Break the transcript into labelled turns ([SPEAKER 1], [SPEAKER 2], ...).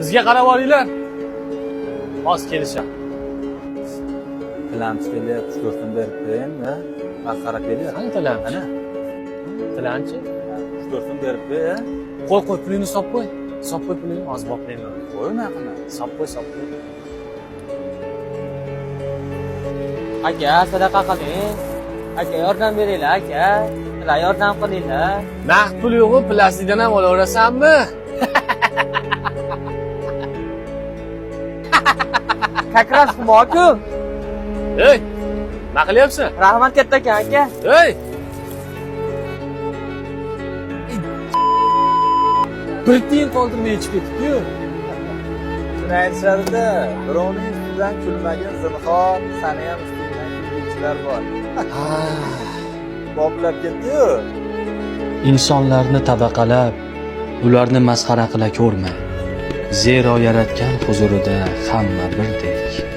[SPEAKER 1] Bizga qarab olinglar. Hozir kelisham.
[SPEAKER 2] Tilanchi kelyapti, ko'rsam berib beraymi? Masxara kelyapti.
[SPEAKER 1] Qani tilanchi?
[SPEAKER 2] Ana,
[SPEAKER 1] Tilanchi?
[SPEAKER 2] ko'rsam berib ber.
[SPEAKER 1] Qo'y, pulingni solib qo'y. Solib qo'y pulingni, hozir boplayman.
[SPEAKER 2] Qo'y naqini.
[SPEAKER 1] Solib qo'y.
[SPEAKER 3] Aka, sadaqa qiling. Aka, yordam beringlar, aka. Sizlar yordam qilinglar.
[SPEAKER 1] Naqd pul yo'q-ku, plastikdan ham olaverasanmi?
[SPEAKER 3] Как раз moku.
[SPEAKER 1] Ey! Nima qilyapsan?
[SPEAKER 3] Rahmat kattakan, aka.
[SPEAKER 1] Ey! Bir tiyin qoldirmay ichib ketibdi-yu.
[SPEAKER 2] Shuni aytishadi-da, birovning ustidan kulmagin zinhor, sani ham ustingdan kulguvchilar bor. Boplab ketdi-yu.
[SPEAKER 4] Insonlarni tabaqalab, ularni masxara qila ko'rma. Zero yaratgan huzurida hamma birdek.